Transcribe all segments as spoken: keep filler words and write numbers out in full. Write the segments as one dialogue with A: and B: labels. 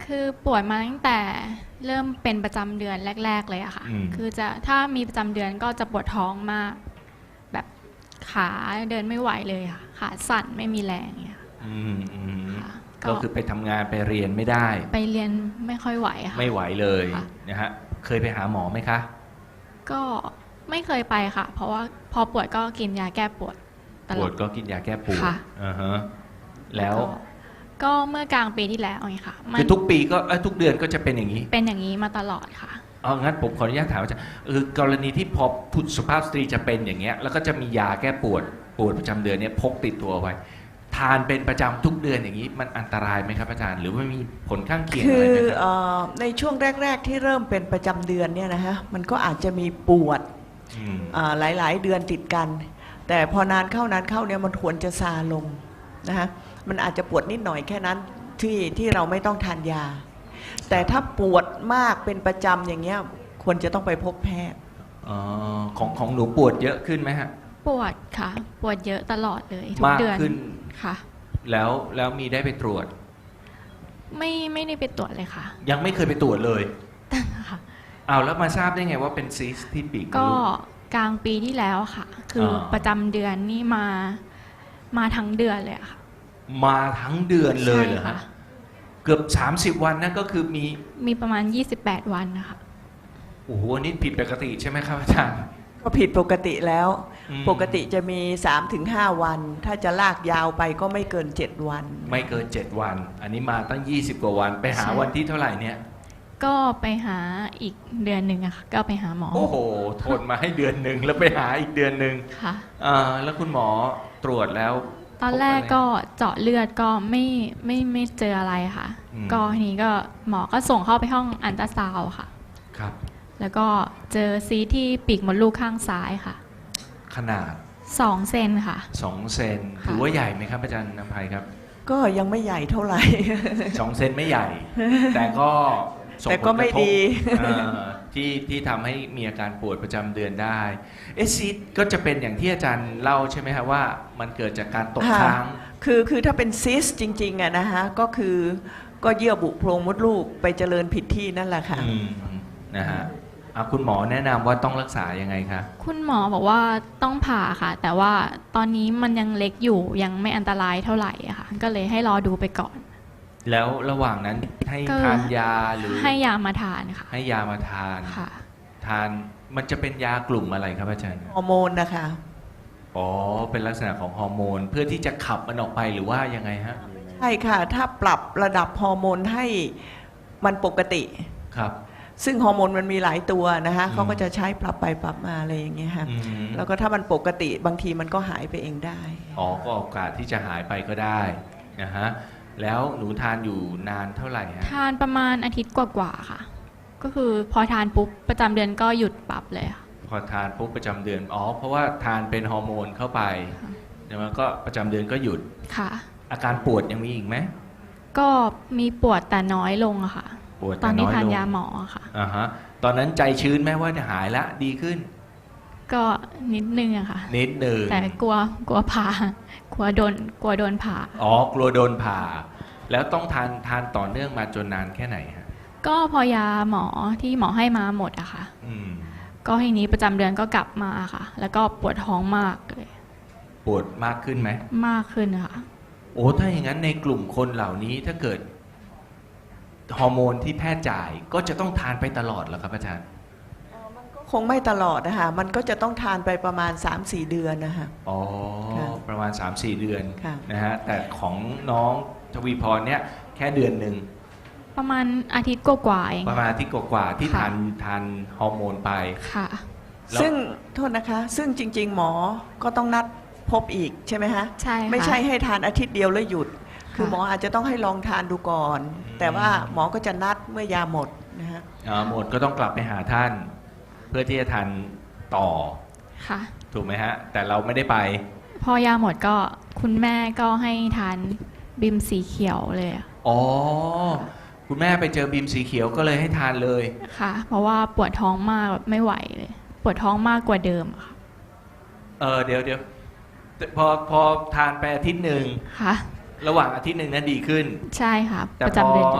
A: คือปวดมาตั้งแต่เริ่มเป็นประจำเดือนแรกๆเลยอะค่ะ
B: อืม
A: คือจะถ้ามีประจำเดือนก็จะปวดท้องมากแบบขาเดินไม่ไหวเลยค่ะขาสั่นไม่มีแรงอย่างเงี้ย
B: อืมอืม
A: ค่ะ
B: ก็คือไปทำงานไปเรียนไม่ได้
A: ไปเรียนไม่ค่อยไหวค่ะ
B: ไม่ไหวเลย
A: ค่ะ
B: นะฮะเคยไปหาหมอไหมคะ
A: ก็ไม่เคยไปค่ะ เพราะว่าพอปวดก็กินยาแก้ปวดต
B: ป
A: ล
B: ว
A: อ
B: ด
A: ด
B: ก็กินยาแก้ปวด
A: ค่ะ
B: อ่าฮะแล้ว
A: ก็ก็เมื่อกลางปีที่แล้วไงค่ะมัน
B: คือทุกปีก็เอ้ยทุกเดือนก็จะเป็นอย่างนี้
A: เป็นอย่างนี้มาตลอดค่ะ
B: เอางั้นผมขออนุญาตถามอาจารย์คือกรณีที่พอผู้สุภาพสตรีจะเป็นอย่างเงี้ยแล้วก็จะมียาแก้ปวดปวดประจำเดือนเนี่ยพกติดตัวไว้ ทานเป็นประจำทุกเดือนอย่างนี้มันอันตรายไหมครับอาจารย์ หรือว่ามีผลข้างเคียง
C: คื
B: อะไร
C: อ
B: ไหมครับ
C: เออในช่วงแรก ๆ ที่เริ่มเป็นประจำเดือนเนี่ยนะฮะมันก็อาจจะมีปวด
B: ม
C: อ่าหลาย ๆ เดือนติดกัน แต่พอนานเข้านานเข้าเนี่ยมันควรจะซาลงนะฮะมันอาจจะปวดนิดหน่อยแค่นั้นที่ที่เราไม่ต้องทานยา แต่ถ้าปวดมากเป็นประจำอย่างเงี้ยควรจะต้องไปพบแพทย์
B: อ๋อของของหนูปวดเยอะขึ้นไหมฮะ
A: ปวดค่ะ ปวดเยอะตลอดเลยทุก
B: มาก
A: เดือน
B: ขึ้น
A: ค่ะ
B: แล้วแล้วมีได้ไปตรวจ
A: ไม่ไม่ได้ไปตรวจเลยค่ะ
B: ยังไม่เคยไปตรวจเลย
A: ค่ะ
B: เอาแล้วมาทราบได้ไงว่าเป็นซีสต์ที่ปีกมด
A: ก็
B: ลูก
A: กลางปีที่แล้วค่ะ คืออา ประจำเดือนนี่มามาทั้งเดือนเลยอะค่ะ
B: มาทั้งเดือนเลยเหรอ
A: ใช่ค่ะ
B: ฮะเกือบสามสิบวันนั่นก็คือมี
A: มีประมาณยี่สิบแปดวันนะคะ
B: โอ้โหอันนี่ผิดปกติใช่ไหมครับอาจารย์
C: ก็ผิดปกติแล้ว
B: อืม
C: ปกติจะมี สามถึงห้า วัน ถ้าจะลากยาวไปก็ไม่เกิน เจ็ด วัน
B: ไม่เกินเจ็ดวัน อันนี้มาตั้งยี่สิบกว่าวันไปหา
A: ใช่
B: วันที่เท่าไหร่เนี่ย
A: ก็ไปหาอีกเดือนหนึ่งอะค่ะ ก็ไปหาหมอ
B: โอ้โหทนมาให้เดือนหนึ่งแล้วไปหาอีกเดือนหนึ่ง
A: ค่ะ
B: อ่าแล้วคุณหมอตรวจแล้ว
A: ตอนแรกก็เจาะเลือดก็ไม่ไม่ไม่เจออะไรค่ะ
B: อืม
A: ก็ทีนี้ก็หมอก็ส่งเข้าไปห้องอันตราซาวด์ค่ะ
B: ครับ
A: แล้วก็เจอซีสต์ที่ปีกมดลูกข้างซ้ายค่ะ
B: ขนาด
A: สองเซนค่ะ
B: สองเซน
A: ค่ะ
B: ถือว่าใหญ่ไหมครับอาจารย์นภัยครับ
C: ก็ยังไม่ใหญ่เท่าไหร่
B: สองเซนไม่ใหญ่ แต่ก็ส่ง
C: แต่ก็ไม่
B: ผลกระทบ
C: ดี
B: เอ่อที่ที่ทำให้มีอาการปวดประจำเดือนได้เอะซีดก็จะเป็นอย่างที่อาจารย์เล่าใช่ไหมครับว่ามันเกิดจากการตก
C: ค่ะ
B: ค้าง
C: คือคือถ้าเป็นซิสจริงๆอะนะฮะก็คือก็เยื่อบุโพรงมดลูกไปเจริญผิดที่นั่นแหละค่ะ
B: อืมนะฮะอ่ะคุณหมอแนะนำว่าต้องรักษายังไงคะ
A: คุณหมอบอกว่าต้องผ่าค่ะ แต่ว่าตอนนี้มันยังเล็กอยู่ยังไม่อันตรายเท่าไหร่อะค่ะ ก็เลยให้รอดูไปก่อน
B: แล้วระหว่างนั้นให้
A: ก็
B: ทานยาหรือ
A: ให้ยามาทานค่ะ
B: ให้ยามาทาน
A: ค่ะ
B: ทานมันจะเป็นยากลุ่มอะไรครับอาจารย์
C: ฮอร์โมนนะคะ
B: อ๋อเป็นลักษณะของฮอร์โมนเพื่อที่จะขับมันออกไปหรือว่ายังไงฮะ
C: ใช่ค่ะ ถ้าปรับระดับฮอร์โมนให้มันปกติ
B: ครับ
C: ซึ่งฮอร์โมนมันมีหลายตัวนะคะ
B: อืม
C: เขาก็จะใช้ปรับไปปรับมาอะไรอย่างเงี้ยค่ะ
B: อืม
C: แล้วก็ถ้ามันปกติบางทีมันก็หายไปเองได้
B: อ๋อก็โอกาสที่จะหายไปก็ได้นะฮะแล้วหนูทานอยู่นานเท่าไหร่ฮะ
A: ทานประมาณอาทิตย์กว่าๆค่ะ ก็คือพอทานปุ๊บประจำเดือนก็หยุดปรับเลยค่ะ
B: พอทานปุ๊บประจำเดือนอ๋อเพราะว่าทานเป็นฮอร์โมนเข้าไป
A: ค่ะ
B: เดี๋ยวมันก็ประจำเดือนก็หยุด
A: ค่ะ
B: อาการปวดยังมีอีกไหม
A: ก็มีปวดแต่น้อยลงอะค่ะ
B: ปวด
A: ต
B: แต่
A: อนนี้
B: น้อย
A: ทาน
B: ลง
A: ยาหมออะค่ะ
B: อ่าฮะตอนนั้นใจชื้นไหมว่าจะหายละดีขึ้น
A: ก็นิดนึงอะค่ะ
B: นิดหนึ่ง
A: แต่กลัวกลัวผ่ากลัวโดนกลัวโดนผ่า
B: อ๋อกลัวโดนผ่า แล้วต้องทานทานต่อเนื่องมาจนนานแค่ไหนฮะ
A: ก็พอยาหมอที่หมอให้มาหมดอะค่ะ
B: อืม
A: ก็ทีนี้ประจำเดือนก็กลับมาค่ะ แล้วก็ปวดท้องมากเลย
B: ปวดมากขึ้นไหม
A: มากขึ้นค่ะ
B: โอ้ถ้าอย่างนั้นในกลุ่มคนเหล่านี้ถ้าเกิดฮอร์โมนที่แพทย์จ่ายก็จะต้องทานไปตลอดเหรอครับอาจารย์
C: คงไม่ตลอดนะคะมันก็จะต้องทานไปประมาณ สามสี่ เดือนนะคะ
B: อ๋อ
C: ค่ะ
B: ประมาณ สามสี่ เดือน
C: ค่ะ
B: นะฮะแต่ของน้องทวีพรเนี่ยแค่เดือนหนึ่ง
A: ประมาณอาทิตย์กว่าๆเอง
B: ประมาณอาที่กว่าๆที่
A: ค่ะ
B: ทานทานฮอร์โมนไป
A: ค่ะ
B: แล้ว
C: ซึ่งโทษนะคะ ซึ่งจริง ๆ หมอก็ต้องนัดพบอีกใช่ไหมฮะ
A: ใช่ค่ะ
C: ไม่ใช่ให้ทานอาทิตย์เดียวแล้วหยุด คือ
A: ค่ะ
C: หมออาจจะต้องให้ลองทานดูก่อน แต่ว่าหมอก็จะนัดเมื่อยาหมดนะฮะ
B: อ่าหมดก็ต้องกลับไปหาท่าน เพื่อที่จะทานต่อ
A: ค่ะ
B: ถูกไหมฮะ แต่เราไม่ได้ไป
A: พอยาหมดก็คุณแม่ก็ให้ทานบิมสีเขียวเลยอะ
B: อ๋อ คุณแม่ไปเจอบีมสีเขียวก็เลยให้ทานเลย
A: ค่ะ เพราะว่าปวดท้องมากแบบไม่ไหวเลย ปวดท้องมากกว่าเดิมอะค่ะ
B: เออเดี๋ยวเดี๋ยวพอพอทานไปอาทิตย์หนึ่ง
A: ค่ะ
B: ระหว่างอาทิตย์หนึ่งนั้นดีขึ้น
A: ใช่ค่ะ
B: แต่
A: ประ
B: พอ
A: จำเดือน
B: เ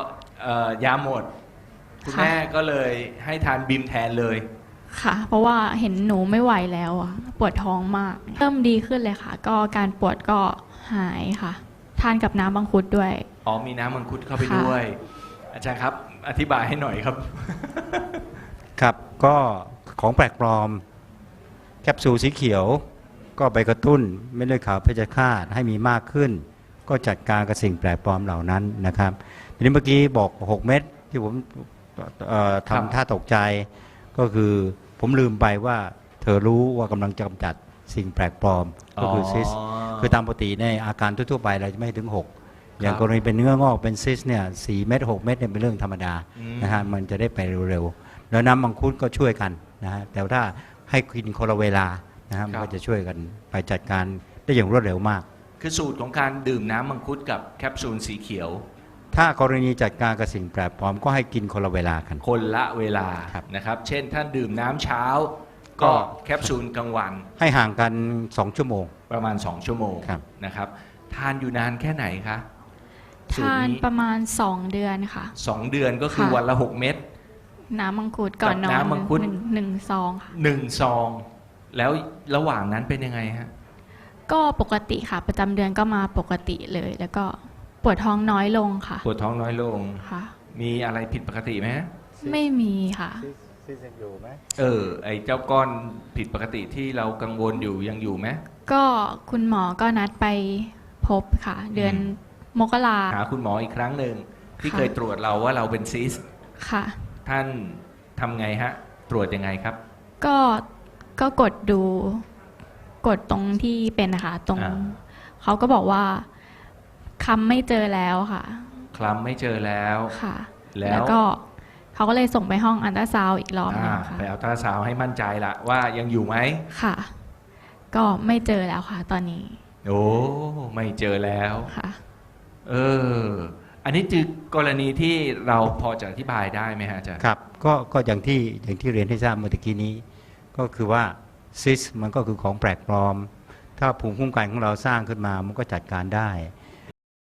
B: เอ่อยาหมด คุณ
A: ค่ะ
B: แม่ก็เลยให้ทานบิมแทนเลย
A: ค่ะ เพราะว่าเห็นหนูไม่ไหวแล้วอะปวดท้องมาก เริ่มดีขึ้นเลยค่ะ ก็การปวดก็หายค่ะ ทานกับน้ำบังคุดด้วย
B: อ๋อมีน้ำมังคุดเข้าไป
A: ค่ะ
B: ด้วย อาจารย์ครับ อธิบายให้หน่อยครับ
D: ครับก็ของแปลกปลอมแคปซูลสีเขียว ก็ไปกระตุ้นเม็ดเลือดขาวเพชฌฆาตให้มีมากขึ้น ก็จัดการกับสิ่งแปลกปลอมเหล่านั้นนะครับทีนี้เมื่อกี้บอกหกเม็ดที่ผมเอ่อ
B: ครับ
D: ทำท่าตกใจ ก็คือผมลืมไปว่าเธอรู้ว่ากำลังจะกำจัดสิ่งแปลกปลอมก็คือซิส คือตามปกติในอาการทั่วๆไปเราจะไม่ถึงหกอย่างกรณีเป็นเนื้องอกเป็นซิสเนี่ยสี่เม็ดหกเม็ดเนี่ยเป็นเรื่องธรรมดา
B: อืม
D: นะฮะมันจะได้ไปเร็วๆแล้วน้ำมังคุดก็ช่วยกันนะฮะแต่ถ้าให้กินคนละเวลานะฮะมันก็จะช่วยกันไปจัดการได้อย่างรวดเร็วมาก
B: คือสูตรของการดื่มน้ำมังคุดกับแคปซูลสีเขียว
D: ถ้ากรณีจัดการกับสิ่งแปลกปลอมก็ให้กินคนละเวลากัน
B: คนละเวลา
D: ครับ
B: นะครับ เช่นท่านดื่มน้ำเช้า ก็
D: ก็
B: แคปซูลกลางวัน
D: ให้ห่างกันสองชั่วโมง
B: ประมาณ สอง ชั่วโมง
D: ครับ
B: นะครับ ทานอยู่นานแค่ไหนคะสูตร
A: ทาน
B: นี้
A: ประมาณสองเดือนค่ะ
B: สองเดือนก็คือ
A: ค่ะ
B: วันละหกเม็ด
A: น้ำมังคุดก่อนนอน
B: กับน้ำมังคุด
A: หนึ่งหนึ่งซองค่ะ
B: หนึ่งซอง แล้วระหว่างนั้นเป็นยังไงฮะ
A: ก็ปกติค่ะ ประจำเดือนก็มาปกติเลย แล้วก็ปวดท้องน้อยลงค่ะ
B: ปวดท้องน้อยลง
A: ค่ะ
B: มีอะไรผิดปกติไหมฮะ
A: ไม่มีค่ะ
B: เออ ไอ้เจ้าก้อนผิดปกติที่เรากังวลอยู่ยังอยู่ไหม
A: ก็คุณหมอก็นัดไปพบค่ะ เดือน
B: อืม
A: มกรา
B: หาคุณหมออีกครั้งหนึ่งที่
A: ค่ะ
B: เคยตรวจเราว่าเราเป็นซิส
A: ค่ะ
B: ท่านทำไงฮะ ตรวจยังไงครับ
A: ก็ก็กดดู กดตรงที่เป็นนะคะตรง
B: อ่า
A: เขาก็บอกว่าคำไม่เจอแล้วค่ะ
B: คลำไม่เจอแล้ว
A: ค่ะ
B: แล้ว
A: แล้วก็เขาก็เลยส่งไปห้องอันตราซาวด์อีกรอบหนึ
B: อ่าง
A: ค่ะ
B: ไปเอาตราซาวด์ให้มั่นใจละว่ายังอยู่ไหม
A: ค่ะ ก็ไม่เจอแล้วค่ะ ตอนนี้
B: โอ้ไม่เจอแล้ว
A: ค่ะ
B: เออ อันนี้คือกรณีที่เราพอจะอธิบายได้ไหมฮะอาจารย์
D: ครับก็ก็อย่างที่อย่างที่เรียนให้ทราบเมื่อตะกี้นี้ ก็คือว่าซิสมันก็คือของแปลกปลอม ถ้าภูมิคุ้มกันของเราสร้างขึ้นมามันก็จัดการได้